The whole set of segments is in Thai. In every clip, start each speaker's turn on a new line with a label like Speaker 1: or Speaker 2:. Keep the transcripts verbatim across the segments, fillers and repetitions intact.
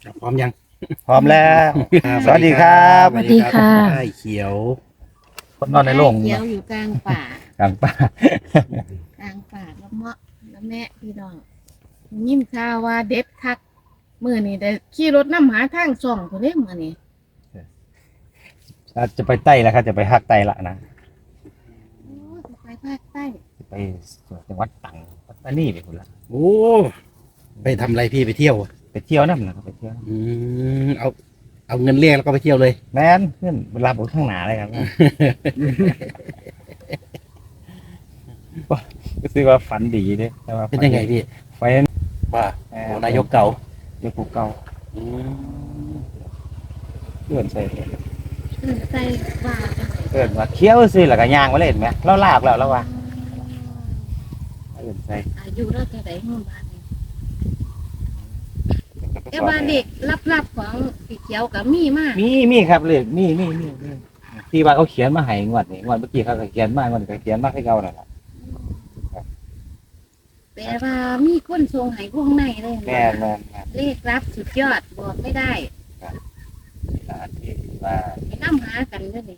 Speaker 1: พร้อมยัง
Speaker 2: พร้อมแล้ว
Speaker 1: ครับ
Speaker 2: สวัสดีครับ
Speaker 3: สวัสดีค่ะ
Speaker 1: ไอ้เขียว
Speaker 2: คนนอนในโรง
Speaker 3: เขียวอยู่กลางป่าก
Speaker 2: ลางป่าก
Speaker 3: ลางป่าแล้วเมาะแล้วแม่พี่น้องยินข่าวว่าเด็ดคักมื้อนี้ได้ขี่รถนำหาทางส่องพุ่นเด้มื้อนี้
Speaker 2: จะไปใต้แล้วครับจะไปภาคใต้ละนะ
Speaker 3: โอ้ยไปภาคใต้
Speaker 2: จะไปจังหวัดตรังปัตตานีไปคนละ
Speaker 1: โอ้ไปทำอะไรพี่ไปเที่ยวอะ
Speaker 2: ไปเที่ยวนั่นนะครับไปเที่ยว
Speaker 1: อืมเอาเอาเงินเรียกแล้วก็ไปเที่ยวเลย
Speaker 2: แม่นเพื่อนเวลาผมข้างหนาเลยครับ ก็คือว่าฝันดีเด้แต่ว่า
Speaker 1: เป็นยังไงพี่
Speaker 2: ไฟ
Speaker 1: ว่าโอ้นายกเก่า
Speaker 2: เด็กผู้เก่า
Speaker 1: อืม
Speaker 2: เพื่อนใส่
Speaker 3: เออใส่ว่าจังได๋
Speaker 2: เพื่อนว่าเคี้ยวซื้อแล้วก็ย่างมาเล่นไหมเราลากแล้วแล้วว่าเพื่อนใส่
Speaker 3: อายุเราเท่าใดฮู้บ้านนี้แต่ว่าเด็กลับๆของพี่เขียวก็มีมาก
Speaker 2: มีมีครับเลยมีมีมีมีที่ว่าเขาเขียนมาให้งวดนี้งวดเมื่อกี้เขาก็เขียนมางวดนี้ก็เขียนมาให้เรานั่นแหละ
Speaker 3: แต่ว่ามีคนส่งให้วงในเลย
Speaker 2: แม่นแม่นแม่น
Speaker 3: เลขรับสุดยอดบอกไม่ได้
Speaker 2: อ่าที่ว่า
Speaker 3: ไปน้ำหากันเด้อนี่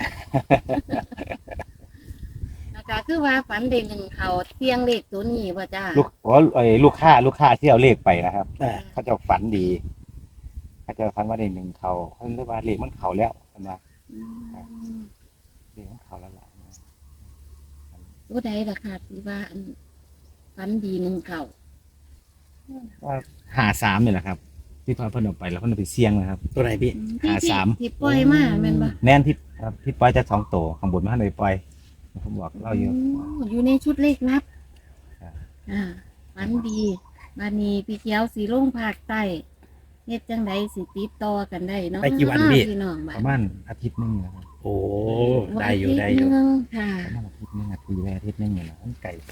Speaker 3: นะคะคือว่าฝันเด่นหนึ่งเขาเที่ยงเลขตัวนี้ว่าจ้า
Speaker 2: ลูกโอ้ไอ้ลูกค้าลูกค้าที่เอาเลขไปนะครับ
Speaker 1: อ่า
Speaker 2: เขาจะฝันดีเขาจะฝันว่าได้หนึ่งเขาเขาเรียกว่าเลขมันเขาแล้วใช่ไหม
Speaker 3: อืม
Speaker 2: เลขมันเขาแล้วล่ะ
Speaker 3: ตัวใดล่ะค่ะที่ว่าอันฝันดีหนึ่งเขา
Speaker 2: ว่าหาสามนี่แหละครับ ที่พาเพิ่นออกไปแล้วเพิ่นเอาไปเสี่ยงนะครับ
Speaker 1: ตัวไหนพี่
Speaker 3: ที่
Speaker 2: หา
Speaker 3: ที่
Speaker 2: สาม
Speaker 3: ที่ปล่อยมาแม่นปะ
Speaker 2: แน่นที่ครับที่ปล่อยจะสองตัวข้างบนมาให้เลยปล่อยผมบอกเราอยู่
Speaker 3: โอยู่ในชุดเลขลับ
Speaker 2: ครับ
Speaker 3: อ่าฝันดีบานีพี่เขียวสีลงภาคใต้เฮ็ดจังใดสิติดต่อกันได้เนาะ
Speaker 1: ไปกี่วันพี่
Speaker 3: พี่น้อง
Speaker 2: ป
Speaker 3: บ้า
Speaker 2: ระมาณอาทิตย์หนึงนะครับ
Speaker 1: โอ้ได้อยู่ได้อยู่
Speaker 3: วันที่หนึ่งค่ะ
Speaker 2: ประมาณอาทิตย์หนึงอาทิตย์แรกอาทิตย์หนึงอยู่นะมันไก่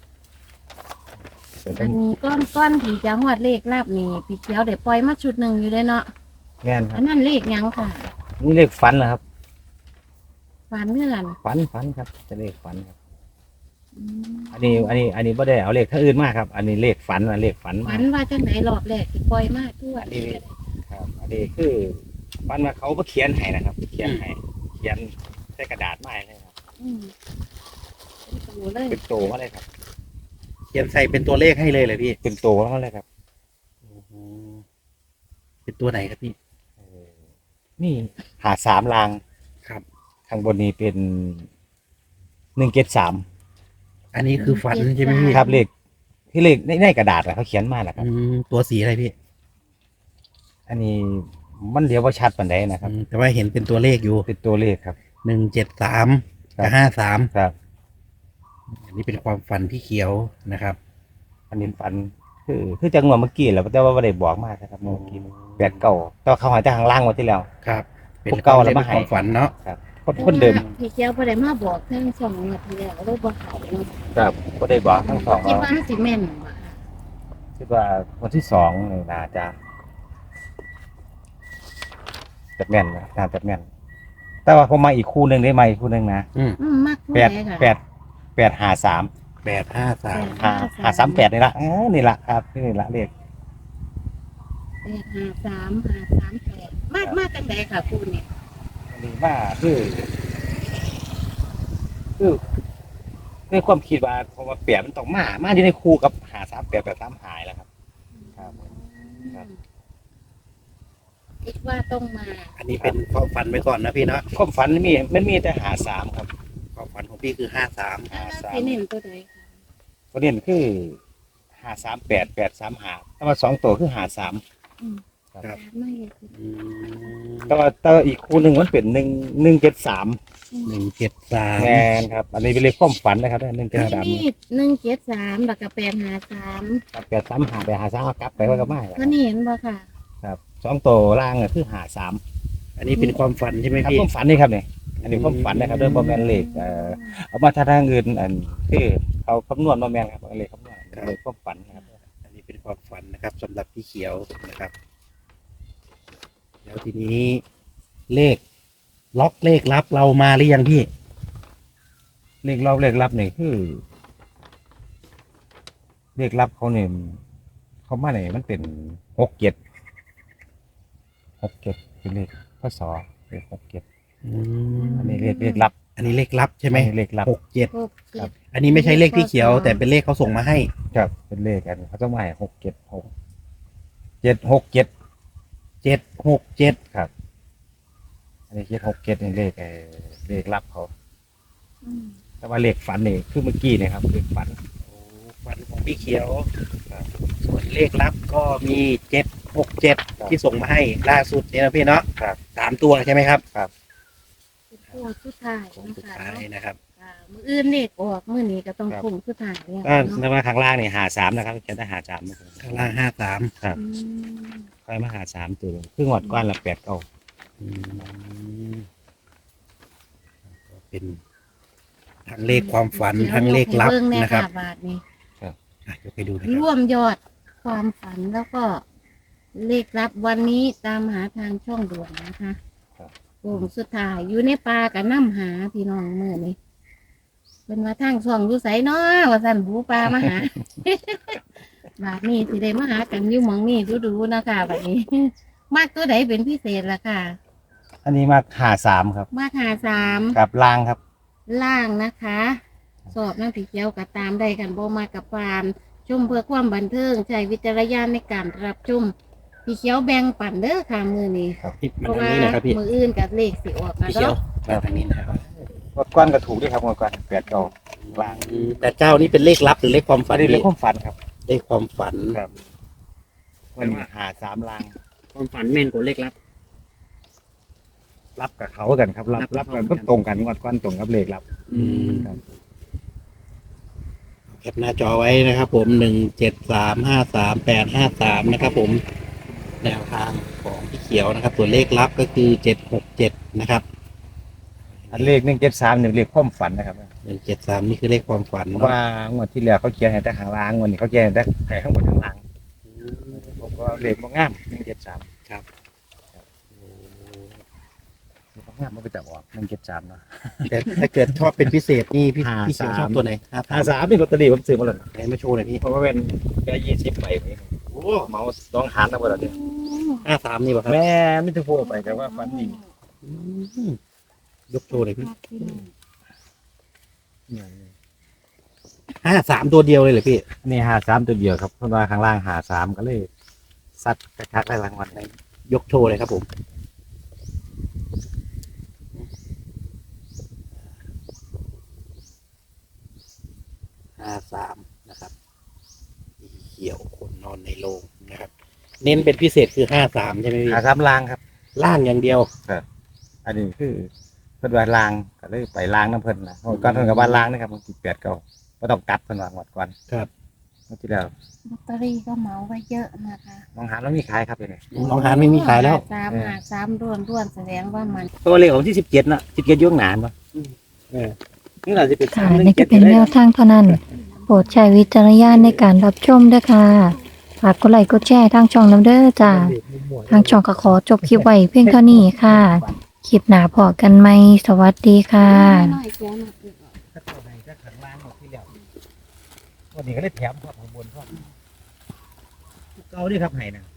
Speaker 2: เดี๋ยวต้
Speaker 3: อั
Speaker 2: อง
Speaker 3: นนี้ก้อนก้อนที่จะฮอดเลขลับนี่พี่เขียวได้ปล่อยมาชุดหนึ่งอยู่เลยเนาะ
Speaker 2: แม่นค
Speaker 3: อั
Speaker 2: รับ
Speaker 3: นนั้นเลขหยังค่ะ
Speaker 2: นี่เลขฝันเหรอครับ
Speaker 3: ฝันเมื่อกัน
Speaker 2: ฝันฝันครับจะเลขฝันครับ
Speaker 3: อืม
Speaker 2: อันนี้อันนี้อันนี้ไม่ได้เอาเลขท่าอื่นมากครับ อันนี้เลขฝันนะเลขฝันมา
Speaker 3: ฝันว่าจังไหนรอบแรกที่ปล่อยมาทั่ว
Speaker 2: อันนี้ครับอันนี้คือฝันว่าเขามาเขียนให้นะครับ เขียนให้เขียนใส่กระดาษไม้เลยครับ
Speaker 3: อืมเป็นตัวเลย
Speaker 2: เป็นโตมาเลยครับ
Speaker 1: เขียนใส่เป็นตัวเลขให้เลยเลยพี่
Speaker 2: เป็นโตมาเลยครับ
Speaker 1: โอ้โหเป็นตัวไหนครับพี่
Speaker 2: เออนี่หาสามราง
Speaker 1: ครับ
Speaker 2: ข้างบนนี้เป็นหนึ่งเจ็ดสาม
Speaker 1: อันนี้คือฝันใช่ไหมพี่
Speaker 2: ครับเลขที่เลขในในกระดาษอะเขาเขียนมาแหละครับ
Speaker 1: อืมตัวสีอะไรพี่
Speaker 2: อันนี้มันเดียวว่าชัดปันใดนะครับ
Speaker 1: อืมแต่ว่าเห็นเป็นตัวเลขอยู่
Speaker 2: เป็นตัวเลขครับ
Speaker 1: หนึ่งเจ็ดสาม
Speaker 2: ครับ
Speaker 1: กับห้าสาม
Speaker 2: ครับ
Speaker 1: อันนี้เป็นความฝันพี่เขียวนะครับ
Speaker 2: อันนี้ฝัน คือคือจังหวะเมื่อกี้แหละแต่ว่าไม่ได้บอกมากนะครับเมื่อกี้แปดเก่าแต่ว่าเขาหายจากข้างล่างมาที่แล้ว
Speaker 1: ครับ เป็น
Speaker 2: พวกเก่าแล้วมาให้
Speaker 1: ความฝันเนาะ
Speaker 2: ครับคนคนเดิม
Speaker 3: พี่เจ้าบ่ได้มาบอกทั้งสองนาทีแล้วเลยบ่เขาเนาะ
Speaker 2: ครับก็ได้บอกทั้งสอง
Speaker 3: คิด
Speaker 2: ว่า
Speaker 3: ว่าสิแม่นบ่ค่ะ
Speaker 2: คิดว่าวันที่สองนี่น่าจะจะแม่นนะน่าจะแม่น แต่ว่าผมมาอีกคู่หนึ่งได้ไหมคู่หนึ่งนะ
Speaker 1: อืม
Speaker 3: อืมมักผู้
Speaker 2: แปด
Speaker 3: ใดค่ะ
Speaker 2: แปดแปดหาสาม
Speaker 1: แปดห้าสาม
Speaker 2: หาหาสามแปดนี่ละเออนี่ละครับนี่ละเลข
Speaker 3: แปดห้าสามห้าสามแปดมากมากจังใดค่ะคุณเนี่ย
Speaker 2: อันนี้ว่าคือคือคือความคิดว่าพอมาเปลี่ยนมันต้องมา มาอยู่ในคู่กับหาสามแปดแปดสามหายแล้วครับ ครับ ครับ
Speaker 3: คิดว่าต้องมา
Speaker 1: อันนี้เป็นความฝันไว้ก่อนนะพี่เนาะ
Speaker 2: ความฝันมันมีมันมีแต่หาสามครับ
Speaker 1: ความฝันของพี่คือห้าสาม
Speaker 2: หา
Speaker 3: แล้ว
Speaker 2: สาม
Speaker 3: สิเน้นตัวใดค่ะ
Speaker 2: ประเด็นคือหาสามแปดแปดสามหาแต่ว่าสองตัวคือหาสาม
Speaker 3: อืม
Speaker 2: ครับ
Speaker 3: ไม่เห็น
Speaker 2: แต่ว่าแต่ว่าอีกคู่หนึ่งมันเป็นหนึ่งหนึ่งเจ็ดสาม
Speaker 1: หนึ่งเจ็ดสาม
Speaker 2: แมนครับ อันนี้เป็นเลขความฝันนะครับหนึ่งเจ็ดสาม
Speaker 3: นี่หนึ่งเจ็ดสามแล้วก็แปดห้าสาม
Speaker 2: แปดสามหาไปหาสามเอากลับไปว่าก็ไม่
Speaker 3: ก็นี่เห็นบ่ค่ะ
Speaker 2: ครับสองตัวล่างอะคือหาสาม
Speaker 1: อันนี้เป็นความฝันใช่ไหม
Speaker 2: ครับ
Speaker 1: พี่
Speaker 2: ความฝันนี่ครับเนี่ยอันนี้ความฝันนะครับเรื่องบอมแมนเลขเอ่อเอามาทางอื่นอันคือเขาคำนวณบอมแมนครับเลขคำนวณเลขความฝันนะครับ
Speaker 1: อันนี้เป็นความฝันนะครับสำหรับพี่เขียวนะครับ แล้วทีนี้เลขล็อกเลขลับเรามาหรือยังพี่
Speaker 2: เลขรอบเลขลับนี่คือ เลขลับเขาเนี่ยเขามาเนี่ยมันเป็นหกเจ็ดหกเจ็ดเป็นเลขพศเลขหกเจ็ด
Speaker 1: อืม
Speaker 2: อันนี้เลขเลขลับ
Speaker 1: อันนี้เลขลับใช่ไหม
Speaker 2: อันนี้เลขลับ
Speaker 1: หกเจ็ด
Speaker 3: หกเจ็ด
Speaker 1: อันนี้ไม่ใช่เลขพี่เขียว แต่เป็นเลขเขาส่งมาให้
Speaker 2: ครับเป็นเลขกันเขาต้องมาให้หกเจ็ดหกเจ็ดหกเจ็ด
Speaker 1: เจ็ดหกเจ็ด
Speaker 2: ครับ อันนี้เจ็ดหกเจ็ดนี่เลขเอ่อเลขลับเขา
Speaker 3: อืม
Speaker 2: แต่ว่าเลขฝันนี่คือเมื่อกี้เนะครับเลขฝัน
Speaker 1: ฝันของพี่เขียวส่วนเลขลับก็มีเจ็ดหกเจ็ดที่ส่งมาให้ล่าสุดเนี่ยนะพี่เนาะ
Speaker 2: ครับ
Speaker 1: สามตัวใช่ไหมครับ
Speaker 3: เป็นโค้งสุดท้าย
Speaker 1: ของ
Speaker 3: นะ
Speaker 1: สุด
Speaker 3: คะ
Speaker 1: ท้ายนะครับ
Speaker 3: อ่ามื้ออื่นเลขออกมื้อนี้ก็ต้องโค้งสุดท้ายแล้ว
Speaker 2: ก็
Speaker 3: เนาะ
Speaker 2: ในว่าข้างล่างนี่หาสามนะครับจะได้หาสาม
Speaker 1: ข้างล่างห้าสาม
Speaker 2: ครับ
Speaker 3: อืม
Speaker 2: ค่อยมาหาสามตัวครึ่งหวดก้อนละแปดเก้า
Speaker 1: เป็นทั้งเลขความฝันทั้งเลขลับนะครับ
Speaker 3: บาทนี้
Speaker 1: อ่ะยกไปดูนะค
Speaker 3: ร่
Speaker 1: รับ
Speaker 3: วมยอดความฝันแล้วก็เลขลับวันนี้ตามหาทางช่องด่วนนะคะโค้งสุดท้ายอยู่ในป่ากับน้ำหาพี่น้องเมื่อนี้เป็นว่าทางช่องอยู่ไสเนาะว่าสั่นหูปลามาหา บาทนี้สิได้มาหากันอยู่หมองนี่ดูๆนะคะบัดนี้ มากตัวไหนเป็นพิเศษล่ะค่ะ
Speaker 2: อันนี้มาหาสามครับ
Speaker 3: มากหาสาม
Speaker 2: กับล่างครับ
Speaker 3: ล่างนะคะ สอบน้ำผีเขียวกับตามได้กันบ่มากับปานชมเพื่อความบันเทิงใช้วิจารณญาณในการรับชมพี่เขียวแบ่งปันเด้อค่ะมือนี้
Speaker 1: พี่
Speaker 3: เพ
Speaker 1: มัน
Speaker 3: ราะ
Speaker 1: ทาง
Speaker 3: ว่า
Speaker 1: นี้นะครับพี่
Speaker 3: มืออื่นกับเลขสิออกมา
Speaker 1: พี่เขียว
Speaker 3: เนาะ
Speaker 1: มาทางนี้นะครับ
Speaker 2: งวดก้อนก็ถูกด้วยครับงวดก้อนแปดเก้าล่าง
Speaker 1: อืมแต่เจ้านี่เป็นเลขลับหรือเลขความฝั
Speaker 2: อั
Speaker 1: น
Speaker 2: นนี้เลข
Speaker 1: พี่
Speaker 2: ความฝันครับ
Speaker 1: เลขความฝัน
Speaker 2: ครับวันนี้หาสามล่าง
Speaker 1: ความฝันแม่นกว่าเลขลับ
Speaker 2: รับกับเขากันครับ รับ
Speaker 1: รั
Speaker 2: รั
Speaker 1: บบ กั
Speaker 2: กัน นก็ตรงกันงวดก้อนตรงกับเลขรับ
Speaker 1: อืม
Speaker 2: ครับ
Speaker 1: แคปหน้าจอไว้นะครับ ผมหนึ่งเจ็ดสามห้าสามแปดห้าสามนะครับ ผมแนวทางของพี่เขียวนะครับส่วนเลขลับก็คือเจ็ดหกเจ็ดนะครับ
Speaker 2: อันเลขหนึ่งเจ็ดสามเนี่ยเลขความฝันนะครับ
Speaker 1: หนึ่งเจ็ดสามนี่คือเลขความฝัน
Speaker 2: เพราะ
Speaker 1: เนาะ
Speaker 2: ว่างวดที่แล้วเขาเขียนให้แต่หางล่างงวดนี้เขาเขียนให้แต่ให้ข้างบนข้างล่างผมก็เลขบ่งามหนึ่งเจ็ดสาม
Speaker 1: ครับ
Speaker 2: เลขบ่งามมันก็จะออกหนึ่งเจ็ดสามเนาะ
Speaker 1: แต่ถ้าเกิดชอบเป็นพิเศษนี่พี่
Speaker 2: ห้า
Speaker 1: พี่เขียว
Speaker 2: สาม
Speaker 1: ชอบตัวไหนห้า
Speaker 2: หา
Speaker 1: สาม
Speaker 2: สามนี่ลอตเตอรี่ผมซื้อมาแล้ว
Speaker 1: ไหนมาโชว์หน่อยพี่
Speaker 2: เพราะว่าเป็นแค่ยี่สิบใบเอง
Speaker 1: โอ้
Speaker 2: เมาสองหารนะบ่ล่ะเนี่ย
Speaker 1: ห้าสามนี่ป่ะครับ
Speaker 2: แม่ไม่ต้องพูดไปแต่ว่าฝันดี
Speaker 1: อืมยกโชว์หน่อยพี่ห้าสามตัวเดียวเลยเหรอพี่
Speaker 2: นี่หาสามตัวเดียวครับเพราะว่าข้างล่างหาสามก็เลยซัดกระชักได้รางวัลได้
Speaker 1: ยกโชว์เลยครับผมห้าสามนะครับสีเขียวคนนอนในโรงนะครับ เน้นเป็นพิเศษคือห้าสามใช่ไหมพี่
Speaker 2: หาสามล่างครับ
Speaker 1: ล่างอย่างเดียว
Speaker 2: อันนี้คือเพิ่นว่าล้างก็เลยไปล้างน้ำเพิ่นนะก่อนเพิ่นก็ว่าล้างนะครับมันสิบแปดเก้าบ่ต้องกัดเพิ่นว่าหมดก่อน
Speaker 1: ครับ
Speaker 2: เมื่อที่แล้ว
Speaker 3: ลอตเตอรี่ก็เหมาไว้เยอะนะคะ
Speaker 2: มองหาแล้วมีขายครับเดี๋ยวนี้
Speaker 1: น้องหานไม่มีขายแล้ว
Speaker 3: สามหาสามร่วนร่วนแสดงว่ามัน
Speaker 2: เพราะว่าเลขของที่สิบเจ็ดน่ะสิบเจ็ดยุ่งหนานป่ะเออนี่น่าจะเป็น
Speaker 4: ค่ะนี่ก็เป็นแนวทางเท่านั้น โปรดใช้วิจารณญาณในการรับชมด้วยค่ะ ฝากกดไลค์กดแชร์ทางช่องน้ำเด้อจ้า ทางช่องก็ขอจบคลิปไว้เพียงเท่านี้ค่ะ คลิปหน้าพอกันไหม สวัสดีค่ะ
Speaker 3: น้อยเสียหนักอีก
Speaker 2: ถ้าตัวไหนก็ข้างล่างหมดที่แล้ววันนี้ก็เลยแถมครับข้างบนครับเก่าด้วยครับไห้นะ